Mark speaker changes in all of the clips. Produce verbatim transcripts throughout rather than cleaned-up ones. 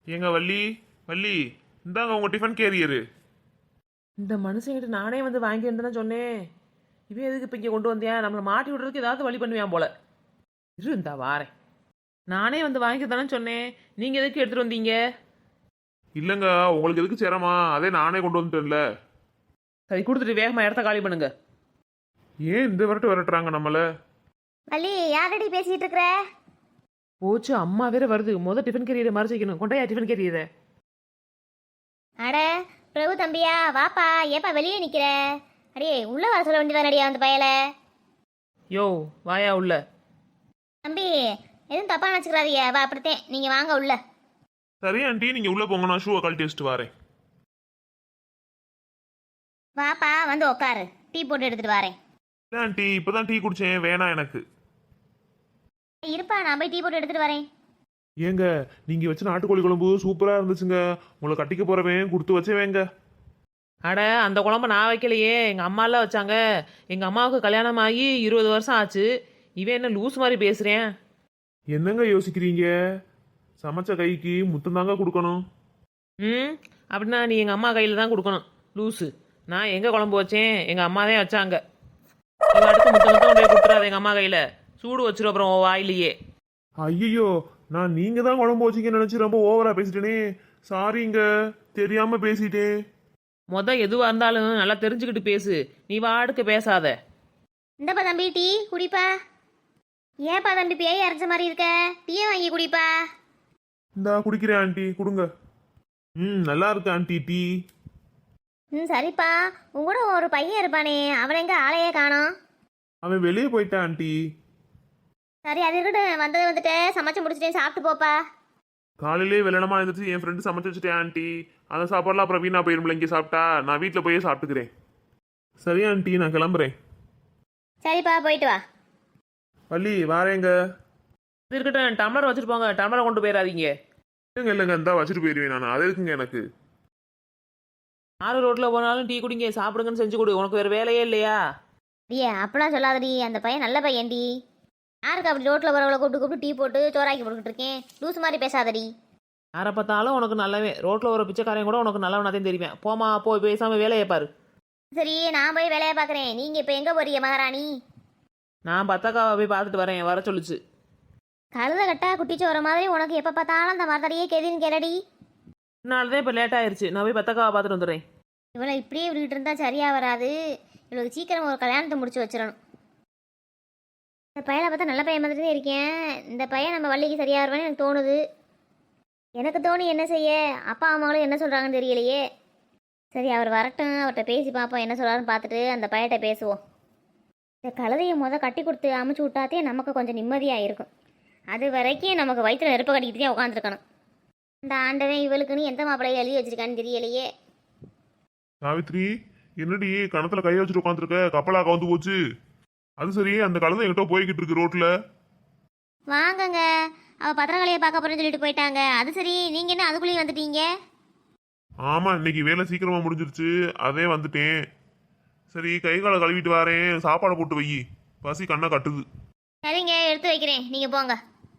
Speaker 1: ஏங்க வள்ளி வள்ளி, இந்தாங்க உங்க டிஃபன் கேரியரு.
Speaker 2: இந்த மனுஷங்கிட்ட நானே வந்து வாங்கி வந்தேன்னு சொன்னேன். இவன் எதுக்கு இப்போ இங்கே கொண்டு வந்தியா? நம்மளை மாட்டி விடுறதுக்கு ஏதாவது வழி பண்ணுவான் போல. இரு இந்தா வாரேன். நானே வந்து வாங்கி தானே சொன்னேன். நீங்கள் எதுக்கு எடுத்துகிட்டு வந்தீங்க?
Speaker 1: இல்லைங்க, உங்களுக்கு எதுக்கு சிரமா? அதே நானே கொண்டு வந்துட்டேன்ல.
Speaker 2: சரி கொடுத்துட்டு வேகமாக இடத்த காலி பண்ணுங்க.
Speaker 1: ஏன் இந்த விரட்டு விரட்டுறாங்க நம்மள?
Speaker 3: வள்ளி யாரடி பேசிட்டு இருக்கிற?
Speaker 2: போச்சு, அம்மா வேற வருது. முதல் டிஃபன் கேரியரை மறைச்சு வைக்கணும். கொண்டாயா டிஃபன் கேரியரை.
Speaker 3: அட பிரபு தம்பியா, வாப்பா. ஏப்பா வெளியே நிக்கிற? அடியே உள்ள வர சொல்ல வேண்டியதானடியா அந்த பயல.
Speaker 2: யோ வாயா உள்ள.
Speaker 3: தம்பி எதுவும் தப்பா நினச்சிக்கிறாதீங்க. வா அப்படித்தேன், நீங்க வாங்க உள்ள.
Speaker 1: சரி ஆண்டி, நீங்க உள்ள போங்க, நான் ஷூவை கழட்டி வச்சுட்டு வரேன்.
Speaker 3: வாப்பா வந்து உக்காரு, டீ போட்டு எடுத்துட்டு வரேன்.
Speaker 1: இல்லை ஆண்டி, இப்பதான் டீ குடிச்சேன், வேணாம் எனக்கு.
Speaker 3: இருப்பா, நான் போய் டீ போட்டு எடுத்துட்டு வரேன்.
Speaker 1: ஏங்க, நீங்க வச்ச நாட்டுக்கோழி குழம்பு சூப்பரா இருந்துச்சுங்க. உங்களை கட்டிக்க போறவன் கொடுத்து வச்சவேங்க.
Speaker 2: அட அந்த குழம்ப நான் வைக்கலையே, எங்கள் அம்மாலாம் வச்சாங்க. எங்கள் அம்மாவுக்கு கல்யாணம் ஆகி இருபது வருஷம் ஆச்சு. இவன் என்ன லூஸ் மாதிரி பேசுகிறேன்?
Speaker 1: என்னங்க யோசிக்கிறீங்க? சமைச்ச கைக்கு முத்தம் தாங்க கொடுக்கணும்.
Speaker 2: ம் அப்படின்னா நீ எங்கள் அம்மா கையில் தான் கொடுக்கணும் லூஸு. நான் எங்கே குழம்பு வச்சேன்? எங்கள் அம்மா தான் வச்சாங்க. இவன் அடுத்து முத்த முத்தம் கொண்டு போய் கொடுத்துறாது எங்கள் அம்மா கையில். சூடு வச்சிரும் அப்புறம் உன் வாயிலேயே.
Speaker 1: ஐயோ, நான் நீங்க தான் குழம்பு வச்சிங்கன்னு நினைச்சு ரொம்ப ஓவரா பேசிட்டேனே. சாரிங்க, தெரியாம பேசிட்டேன்.
Speaker 2: மொதல் எதுவாக இருந்தாலும் நல்லா தெரிஞ்சுக்கிட்டு பேசு. நீ வாடுக்கு பேசாத.
Speaker 3: இந்தப்பா தம்பி டீ குடிப்பா. ஏப்பா தம்பி பேய் அரைச்ச மாதிரி இருக்க? டீயை வாங்கி குடிப்பா.
Speaker 1: இந்தா குடிக்கிறேன் ஆண்டி, கொடுங்க. ம் நல்லா இருக்கு ஆண்டி டீ.
Speaker 3: ம் சரிப்பா. உங்க கூட ஒரு பையன் இருப்பானே, அவன் எங்க ஆளையே காணோம்?
Speaker 1: அவன் வெளியே போயிட்டான் ஆண்டி.
Speaker 3: சரி அது இருக்கட்டும், வந்தது வந்துட்டு சமைச்சு முடிச்சுட்டேன், சாப்பிட்டு போப்பா.
Speaker 1: காலையிலே வெள்ளனமா இருந்துச்சு, என் ஃப்ரெண்டு சமைச்சு வச்சுட்டேன் ஆண்டி. அந்த சாப்பாடுலாம் அப்புறம் வீணா போயிருமில்ல இங்கே சாப்பிட்டா. நான் வீட்டில் போயே சாப்பிட்டுக்கிறேன். சரி ஆண்டி, நான் கிளம்புறேன்.
Speaker 3: சரிப்பா போயிட்டு வா.
Speaker 1: வள்ளி வாரேங்க.
Speaker 2: இது இருக்கட்டும், டம்ளர் வச்சுட்டு போங்க. டம்ளரை கொண்டு போயிடாதீங்க.
Speaker 1: இல்லைங்க இல்லைங்க, இந்தா வச்சுட்டு போயிடுவேன் நான். அது இருக்குங்க எனக்கு.
Speaker 2: ஆறு ரோட்டில் போனாலும் டீ குடிங்க, சாப்பிடுங்கன்னு செஞ்சு கொடு. உனக்கு வேறு வேலையே இல்லையா?
Speaker 3: டியே அப்படிலாம் சொல்லாதடி, அந்த பையன் நல்ல பையன்டி. யாருக்கு அப்படி ரோட்டில் வரவளை கூப்பிட்டு கூப்பிட்டு டீ போட்டு சோறாக்கி போட்டுக்கிட்டு இருக்கேன்? லூஸ் மாதிரி பேசாதடி.
Speaker 2: யாரை பார்த்தாலும் உனக்கு நல்லவே. ரோட்டில் ஒரு பிச்சைக்காரன் கூட உனக்கு நல்லவனாத்தையும் தெரியுவேன். போமா போய் பேசாமல் வேலையை பாரு.
Speaker 3: சரி நான் போய் வேலையை பார்க்குறேன். நீங்கள் இப்போ எங்கே போறீங்க மகாராணி?
Speaker 2: நான் பத்தக்காவை போய் பார்த்துட்டு வரேன், வர சொல்லிச்சு.
Speaker 3: கழுத கட்டா குட்டிச்சு வர மாதிரி உனக்கு எப்போ பார்த்தாலும் அந்த மரத்தடியே கேதின்னு கேளடி.
Speaker 2: இதனால தான் இப்போ லேட் ஆயிடுச்சு. நான் போய் பத்தக்காவை பார்த்துட்டு வந்துடுறேன்.
Speaker 3: இவளை இப்படியே விட்டுட்டு இருந்தா சரியாக வராது. இவளுக்கு சீக்கிரம் ஒரு கல்யாணத்தை முடிச்சு வச்சிடணும். இந்த பையனை பார்த்தா நல்ல பையன் மாதிரி தான் இருக்கேன். இந்த பையன் நம்ம வள்ளிக்கு சரியாக வருவான்னு எனக்கு தோணுது. எனக்கு தோணி என்ன செய்ய? அப்பா அம்மாவும் என்ன சொல்கிறாங்கன்னு தெரியலையே. சரி அவர் வரட்டும், அவர்கிட்ட பேசி பார்ப்போம், என்ன சொல்கிறாருன்னு பார்த்துட்டு அந்த பையன்கிட்ட பேசுவோம். இந்த கழுதையை முத கட்டி கொடுத்து அமுச்சு விட்டாத்தே நமக்கு கொஞ்சம் நிம்மதியாக இருக்கும். அது வரைக்கும் நமக்கு வயிற்றுல நெருப்ப கட்டிக்கிட்டு தான் உட்காந்துருக்கணும். இந்த ஆண்டவன் இவளுக்குன்னு எந்த மாப்பிள்ளையை எழுதி வச்சிருக்கான்னு தெரியலையே.
Speaker 1: சாவித்ரி, என்னடி கணத்துல கையை வச்சுட்டு உட்காந்துருக்க? கப்பலா கவுந்து போச்சு. அது சரி, அந்த கழுதை எங்கிட்ட போய்கிட்டு இருக்கு ரோட்ல.
Speaker 3: வாங்கங்க, அவள் பத்திரங்களையை பார்க்க போறேன்னு சொல்லிட்டு போயிட்டாங்க. அது சரி, நீங்கள் என்ன அதுக்குள்ளேயும் வந்துட்டீங்க?
Speaker 1: ஆமா, இன்னைக்கு வேலை சீக்கிரமா முடிஞ்சிருச்சு, அதே வந்துட்டேன். சரி, கை காலை கழுவிட்டு வரேன், சாப்பாடு போட்டு வை, பசி கண்ணை கட்டுது.
Speaker 3: சரிங்க, எடுத்து வைக்கிறேன், நீங்கள் போங்க.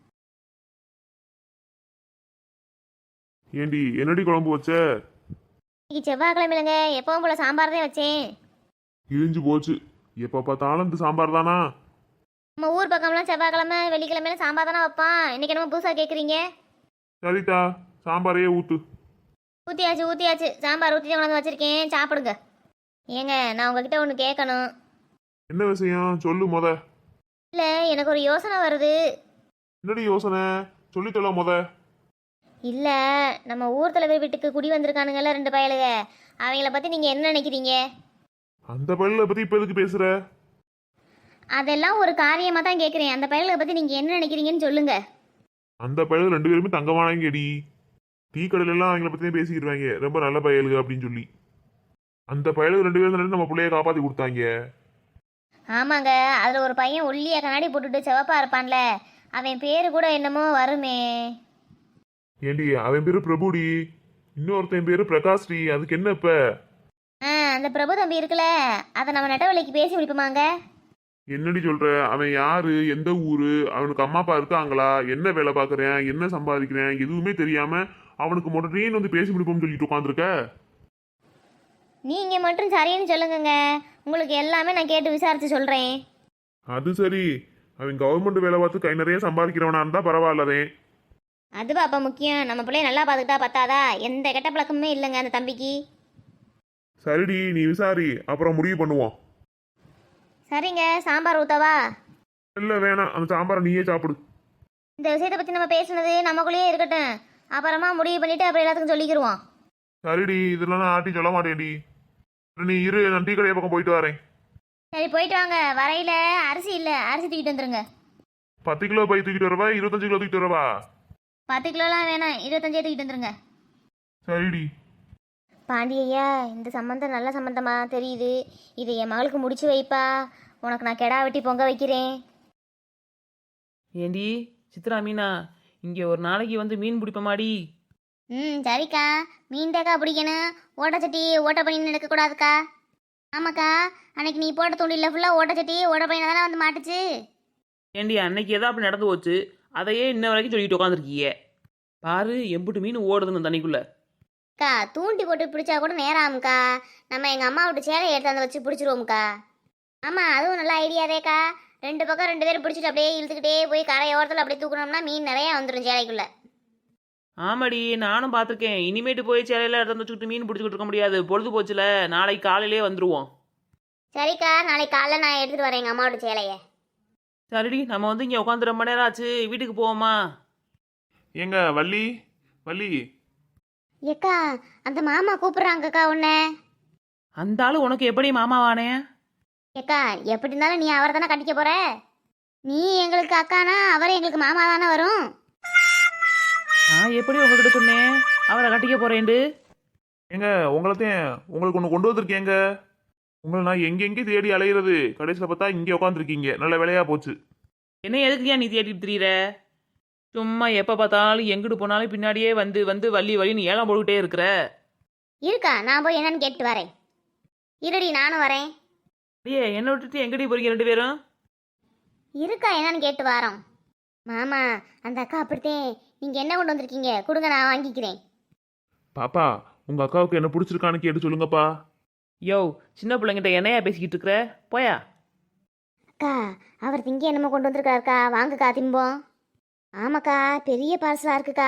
Speaker 1: ஏண்டி என்னடி குழம்பு வச்ச?
Speaker 3: இன்னைக்கு செவ்வாய்க்கிழமைலங்க, எப்பவும் போல சாம்பார் தான் வச்சேன்.
Speaker 1: இழிஞ்சு போச்சு. எப்ப பார்த்தாலும் இந்த சாம்பார் தானா?
Speaker 3: நம்ம ஊர் பக்கம்லாம் செவ்வாய்க்கிழமை வெள்ளிக்கிழமையில சாம்பார் தானே வைப்பான். இன்னைக்கு என்னமோ புதுசாக கேட்குறீங்க?
Speaker 1: சரிதா, சாம்பாரையே ஊத்து.
Speaker 3: ஊற்றியாச்சு ஊற்றியாச்சு, சாம்பார் ஊற்றி கொண்டாந்து வச்சுருக்கேன், சாப்பிடுங்க. ஏங்க நான் உங்ககிட்ட ஒன்று கேட்கணும்.
Speaker 1: என்ன விஷயம் சொல்லு முத.
Speaker 3: இல்லை, எனக்கு ஒரு யோசனை வருது.
Speaker 1: என்னடி யோசனை? சொல்லித்தல முத.
Speaker 3: இல்லை, நம்ம ஊர் தலைவர் வீட்டுக்கு குடி வந்திருக்கானுங்கல்ல ரெண்டு பயலுக, அவங்கள பற்றி நீங்கள் என்ன நினைக்கிறீங்க?
Speaker 1: அந்த பள்ளியை பத்தி இப்ப எதுக்கு பேசுற?
Speaker 3: அதெல்லாம் ஒரு காரியமாக தான் கேட்குறேன். அந்த பயலுகளை பற்றி நீங்கள் என்ன நினைக்கிறீங்கன்னு சொல்லுங்க.
Speaker 1: அந்த பயலுக்கு ரெண்டு பேருமே தங்கமானங்கடி. டீ கடையில எல்லாம் அவங்கள பத்தி பேசிக்கிடுவாங்க, ரொம்ப நல்ல பயலுக அப்படின்னு சொல்லி. அந்த பயலுக்கு ரெண்டு பேரும் நம்ம பிள்ளைய காப்பாத்தி கொடுத்தாங்க.
Speaker 3: ஆமாங்க, அதில் ஒரு பையன் ஒல்லியா கண்ணாடி போட்டுட்டு செவப்பா இருப்பான்ல, அவன் பேரு கூட என்னமோ வருமே.
Speaker 1: ஏண்டி அவன் பேரு பிரபுடி, இன்னொருத்தன் பேரு பிரகாஷ்டி. அதுக்கு என்ன இப்ப?
Speaker 3: ஆ அந்த பிரபு தம்பி இருக்குல்ல, அதை நம்ம நெட்டவழிக்கு பேசி முடிப்போமாங்க?
Speaker 1: என்னடி சொல்ற? அவன் யாரு, எந்த ஊரு, அவனுக்கு அம்மா அப்பா இருக்காங்களா, என்ன வேலை பார்க்கறேன், என்ன சம்பாதிக்கிறேன், எதுவுமே தெரியாம அவனுக்கு மொட்டைன்னு வந்து பேசி முடிப்போம்னு சொல்லிட்டு உட்காந்துருக்க.
Speaker 3: நீங்கள் மட்டும் சரின்னு சொல்லுங்கங்க, உங்களுக்கு எல்லாமே நான் கேட்டு விசாரித்து சொல்கிறேன்.
Speaker 1: அது சரி, அவன் கவர்மெண்ட் வேலை பார்த்து கை நிறைய சம்பாதிக்கிறவனா இருந்தா பரவாயில்லதே.
Speaker 3: அதுவா அப்போ முக்கியம், நம்ம பிள்ளைய நல்லா பார்த்துக்கிட்டா பத்தாதா? எந்த கெட்ட பழக்கமுமே இல்லைங்க அந்த தம்பிக்கு.
Speaker 1: சரிடி, நீ விசாரி, அப்புறம் முடிவு பண்ணுவோம்.
Speaker 3: சரிங்க, சாம்பார் ஊற்றவா?
Speaker 1: இல்ல வேணாம், அந்த சாம்பாரை நீயே சாப்பிடு.
Speaker 3: இந்த விஷயத்தை பற்றி நம்ம பேசுனது நமக்குள்ளேயே இருக்கட்டும், அப்புறமா முடிவு பண்ணிவிட்டு அப்புறம் எல்லாத்துக்கும் சொல்லிக்கிடுவோம்.
Speaker 1: சரிடி, இதெல்லாம் நான் ஆட்டி சொல்ல மாட்டேன்டி. நீ இரு, நான் டீ கடையை பக்கம் போயிட்டு வரேன்.
Speaker 3: சரி போயிட்டு வாங்க, வரையில் அரிசி இல்லை, அரிசி தூக்கிட்டு வந்துருங்க.
Speaker 1: பத்து கிலோ பை தூக்கிட்டு வரவா, இருபத்தஞ்சு கிலோ தூக்கிட்டு வரவா?
Speaker 3: பத்து கிலோலாம் வேணாம், இருபத்தஞ்சே தூக்கிட்டு வந்துருங்க.
Speaker 1: சரிடி.
Speaker 3: பாண்டி ஐயா, இந்த சம்மந்தம் நல்ல சம்மந்தமா தெரியுது, இதை என் மகளுக்கு முடிச்சு வைப்பா, உனக்கு நான் கெடா வெட்டி பொங்க வைக்கிறேன்.
Speaker 2: ஏண்டி சித்ரா மீனா, இங்கே ஒரு நாளைக்கு வந்து மீன் பிடிப்பமாடி.
Speaker 3: ம் சரிக்கா, மீன் தாக்கா பிடிக்கணும், ஓட்டச்சட்டி ஓட்ட பண்ணி எடுக்கக்கூடாதுக்கா. ஆமாக்கா, அன்னைக்கு நீ போட்ட தூண்டில ஃபுல்லாக ஓட்டச்சட்டி ஓட்ட பையனை தானே வந்து மாட்டுச்சு.
Speaker 2: ஏண்டி அன்னைக்கு ஏதோ அப்படி நடந்து போச்சு, அதையே இன்ன வரைக்கும் சொல்லிட்டு உட்காந்துருக்கீங்க. பாரு எம்பிட்டு மீன் ஓடுதுன்னு தண்ணிக்குள்ள.
Speaker 3: அக்கா தூண்டி போட்டு பிடிச்சா கூட நேரம் ஆகும்க்கா, நம்ம எங்கள் அம்மா விட்டு சேலை எடுத்தாந்து வச்சு பிடிச்சிருவோம்க்கா. ஆமாம் அதுவும் நல்ல ஐடியாதேக்கா, ரெண்டு பக்கம் ரெண்டு பேரும் பிடிச்சிட்டு அப்படியே இழுத்துக்கிட்டே போய் கரை ஓரத்தில் அப்படியே தூக்கணும்னா மீன் நிறையா வந்துடும் சேலைக்குள்ளே.
Speaker 2: ஆமாடி, நானும் பார்த்துருக்கேன். இனிமேட்டு போய் சேலையில் எடுத்து வச்சுக்கிட்டு மீன் பிடிச்சிக்கிட்டு இருக்க முடியாது, பொழுது போச்சுல, நாளைக்கு காலையிலே வந்துடுவோம்.
Speaker 3: சரிக்கா, நாளைக்கு காலைல நான் எடுத்துகிட்டு வரேன் எங்கள் அம்மாவோட சேலையை.
Speaker 2: சரிடி, நம்ம வந்து இங்கே உட்காந்து ரொம்ப நேரம் ஆச்சு, வீட்டுக்கு போவோமா?
Speaker 1: ஏங்க வள்ளி, வள்ளி.
Speaker 3: ஏக்கா அந்த மாமா கூப்பிட்றாங்கக்கா உன்னை.
Speaker 2: அந்த ஆளு உனக்கு எப்படி மாமாவானே?
Speaker 3: ஏக்கா எப்படி இருந்தாலும் நீ அவரை தானே கட்டிக்க போற, நீ எங்களுக்கு அக்கானா அவர் எங்களுக்கு மாமா தானே வரும்.
Speaker 2: நான் எப்படி உங்ககிட்ட சொன்னேன் அவரை கட்டிக்க போறேன்டு?
Speaker 1: ஏங்க உங்களைத்தையும் உங்களுக்கு ஒன்று கொண்டு வந்திருக்கேங்க. உங்களை நான் எங்கெங்கே தேடி அலையிறது, கடைசியில் பார்த்தா இங்கே உட்காந்துருக்கீங்க. நல்ல வேலையா போச்சு.
Speaker 2: என்ன எதுக்குயா நீ தேடிட்டு திரியிற? சும்மா எப்போ பார்த்தாலும் எங்கிட்டு போனாலும் பின்னாடியே வந்து வந்து வள்ளி வள்ளின்னு ஏலம் போட்டுக்கிட்டே இருக்கிற.
Speaker 3: இருக்கா, நான் போய் என்னன்னு கேட்டு வரேன். இருடி நானும் வரேன்.
Speaker 2: ஐயே, என்னை விட்டுட்டு எங்கடி போறீங்க ரெண்டு பேரும்?
Speaker 3: இருக்கா என்னன்னு கேட்டு வரோம். மாமா அந்த அக்கா அப்படித்தேன், நீங்கள் என்ன கொண்டு வந்திருக்கீங்க கொடுங்க, நான் வாங்கிக்கிறேன்.
Speaker 1: பாப்பா, உங்க அக்காவுக்கு என்ன பிடிச்சிருக்கான்னு கேட்டு சொல்லுங்கப்பா.
Speaker 2: யோ, சின்ன பிள்ளைங்கிட்ட என்னையா பேசிக்கிட்டு இருக்கிற? போயா.
Speaker 3: அக்கா அவர் திங்க என்னமோ கொண்டு வந்திருக்காருக்கா, வாங்குக்கா திம்போம். ஆமாக்கா பெரிய பார்சலாக இருக்குக்கா.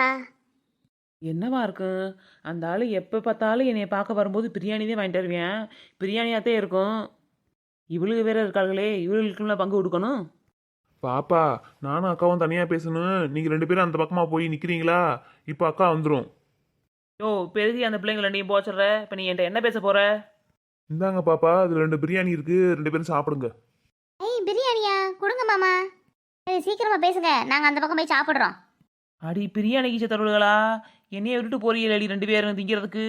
Speaker 2: என்னவா இருக்கும்? அந்த ஆள் எப்போ பார்த்தாலும் என்னை பார்க்க வரும்போது பிரியாணி தான் வாங்கிட்டு வருவேன், பிரியாணியாகத்தே இருக்கும். இவளுக்கு வேற இருக்காங்களே, இவளுக்குலாம் பங்கு கொடுக்கணும்.
Speaker 1: பாப்பா, நானும் அக்காவும் தனியாக பேசணும். நீங்கள் ரெண்டு பேரும் அந்த பக்கமாக போய் நிற்கிறீங்களா? இப்போ அக்கா வந்துடும்.
Speaker 2: யோ, பெருகி அந்த பிள்ளைங்களை நீ போச்சுடுற, இப்போ நீ என்கிட்ட என்ன பேச போற?
Speaker 1: இந்தாங்க பாப்பா, அதில் ரெண்டு பிரியாணி இருக்கு, ரெண்டு பேரும் சாப்பிடுங்க.
Speaker 3: ஏய் பிரியாணியா கொடுங்க மாமா. சரி சீக்கிரமாக பேசுங்க, நாங்கள் அந்த பக்கம் போய் சாப்பிட்றோம்.
Speaker 2: அடி பிரியாணிக்கு சித்தருள்களா, என்னைய விட்டுட்டு போறீங்களே அடி ரெண்டு பேரும் திங்கிறதுக்கு.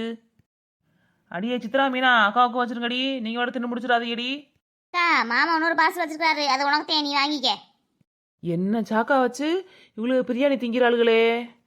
Speaker 2: அடியே சித்ரா மீனா, அக்காவுக்கு வச்சிருங்கடி, நீங்கள் விட தின்னு முடிச்சிடாதீங்கடி.
Speaker 3: அக்கா மாமா இன்னொரு பார்சல் வச்சிருக்காரு, அது உனக்கு தேவை, நீ வாங்கிக்க.
Speaker 2: என்ன சாக்கா வச்சு இவ்வளவு பிரியாணி திங்கிற ஆளுகளே.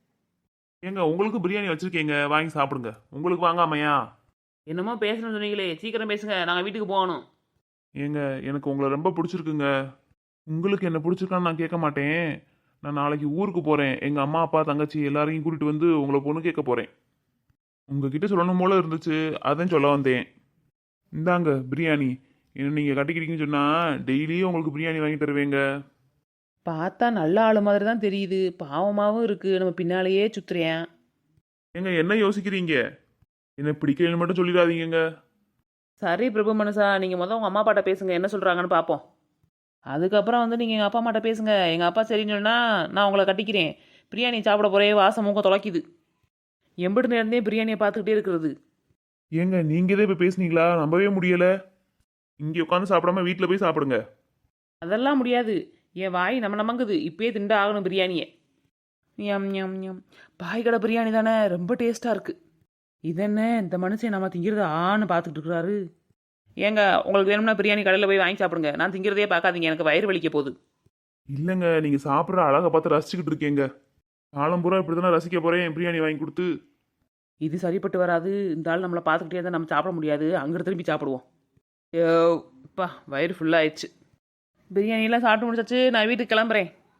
Speaker 1: ஏங்க உங்களுக்கு பிரியாணி வச்சிருக்கீங்க, வாங்கி சாப்பிடுங்க. உங்களுக்கு வாங்காமையா?
Speaker 2: என்னமோ பேசணும்னு சொன்னீங்களே, சீக்கிரம் பேசுங்க, நாங்கள் வீட்டுக்கு போகணும்.
Speaker 1: ஏங்க எனக்கு உங்களை ரொம்ப பிடிச்சிருக்குங்க. உங்களுக்கு என்ன பிடிச்சிருக்கான்னு நான் கேட்க மாட்டேன். நான் நாளைக்கு ஊருக்கு போகிறேன், எங்கள் அம்மா அப்பா தங்கச்சி எல்லாரையும் கூட்டிகிட்டு வந்து உங்களை பொண்ணு கேட்க போகிறேன். உங்ககிட்ட சொல்லணும் போல இருந்துச்சு, அதான் சொல்ல வந்தேன். இந்தாங்க பிரியாணி. என்ன நீங்கள் கட்டிக்கிறீங்கன்னு சொன்னால் டெய்லியும் உங்களுக்கு பிரியாணி வாங்கி தருவேங்க.
Speaker 2: பார்த்தா நல்ல ஆளு மாதிரி தான் தெரியுது, பாவமாகவும் இருக்கு, நம்ம பின்னாலேயே சுத்துறேன்.
Speaker 1: ஏங்க என்ன யோசிக்கிறீங்க? என்ன பிடிக்கலன்னு மட்டும் சொல்லிடாதீங்க.
Speaker 2: சரி பிரபு மனுஷா, நீங்கள் முதல் உங்கள் அம்மா அப்பாட்ட பேசுங்க, என்ன சொல்கிறாங்கன்னு பார்ப்போம். அதுக்கப்புறம் வந்து நீங்கள் எங்கள் அப்பா அம்மாட்ட பேசுங்க. எங்கள் அப்பா சரின்னு சொன்னால் நான் உங்களை கட்டிக்கிறேன். பிரியாணி சாப்பிட போகிறே, வாசம் மூக்க தொலைக்குது. எம்பிட்டு நேரந்தே பிரியாணியை பார்த்துக்கிட்டே இருக்கிறது.
Speaker 1: ஏங்க நீங்கள் இதே இப்போ பேசுனீங்களா? நம்பவே முடியலை. இங்கே உட்காந்து சாப்பிடாம வீட்டில் போய் சாப்பிடுங்க.
Speaker 2: அதெல்லாம் முடியாது, என் வாய் நம்ம நமங்குது, இப்பயே திண்டு ஆகணும் பிரியாணியை. ஞம் ஞம் ஞம். பாய் கடை பிரியாணி தானே, ரொம்ப டேஸ்ட்டாக இருக்குது. இதென்ன இந்த மனுஷன் நம்ம திங்கிறத ஆன்னு பார்த்துக்கிட்டு இருக்கிறாரு. ஏங்க உங்களுக்கு வேணும்னா பிரியாணி கடையில் போய் வாங்கி சாப்பிடுங்க, நான் திங்கிறதே பார்க்காதீங்க, எனக்கு வயிறு வலிக்க போகுது.
Speaker 1: இல்லைங்க, நீங்கள் சாப்பிட்ற அழகை பார்த்து ரசிச்சுக்கிட்டு இருக்கீங்க. காலம் பூரா இப்படி தானே ரசிக்க போகிறேன் பிரியாணி வாங்கி கொடுத்து.
Speaker 2: இது சரிப்பட்டு வராது. இந்த ஆள் நம்மளை பார்த்துக்கிட்டே தான் நம்ம சாப்பிட முடியாது, அங்கிட்டு திரும்பி சாப்பிடுவோம். ஐயோ அப்பா, வயிறு ஃபுல்லாகிடுச்சு. பிரியாணியெல்லாம் சாப்பிட்டு முடிச்சாச்சு, நான் வீட்டுக்கு கிளம்புறேன்.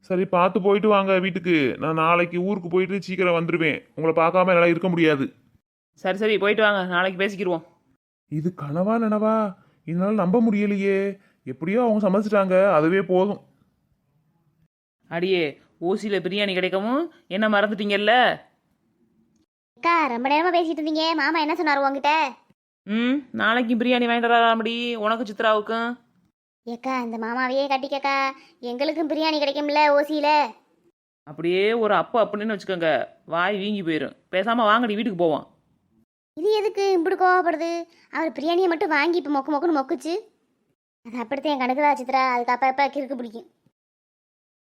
Speaker 1: சரி பார்த்து போயிட்டு வாங்க வீட்டுக்கு. நான் நாளைக்கு ஊருக்கு போயிட்டு சீக்கிரம் வந்துடுவேன். உங்களை பார்க்காம என்னால் இருக்க முடியாது.
Speaker 2: சரி சரி போயிட்டு வாங்க, நாளைக்கு பேசிக்கிடுவோம்.
Speaker 1: இது கனவா நனவா? என்னால் நம்ப முடியலையே. எப்படியோ அவங்க சமைச்சிட்டாங்க, அதுவே போதும்.
Speaker 2: அடியே, ஓசியில் பிரியாணி கிடைக்கவும் என்ன மறந்துட்டீங்கல்ல?
Speaker 3: அக்கா ரொம்ப நேரமாக பேசிட்டு இருந்தீங்க, மாமா என்ன சொன்னார் உங்ககிட்ட?
Speaker 2: ம், நாளைக்கு பிரியாணி வாங்கிட்டு வராமடி உனக்கு சித்ராவுக்கும்.
Speaker 3: ஏக்கா இந்த மாமாவையே கட்டிக்கக்கா, எங்களுக்கும் பிரியாணி கிடைக்கும்ல ஓசியில்.
Speaker 2: அப்படியே ஒரு அப்பு அப்படின்னு வச்சுக்கோங்க, வாய் வீங்கி போயிடும். பேசாமல் வாங்கடி வீட்டுக்கு போவோம்.
Speaker 3: இது எதுக்கு இப்படி கோவப்படுது? அவர் பிரியாணியை மட்டும் வாங்கி இப்போ மொக்கு மொக்குன்னு மொக்குச்சு. அது அப்படித்தான் என் கணக்கு தான் சித்ரா, அதுக்கு அப்போ அப்போ கிறுக்கு பிடிக்கும்.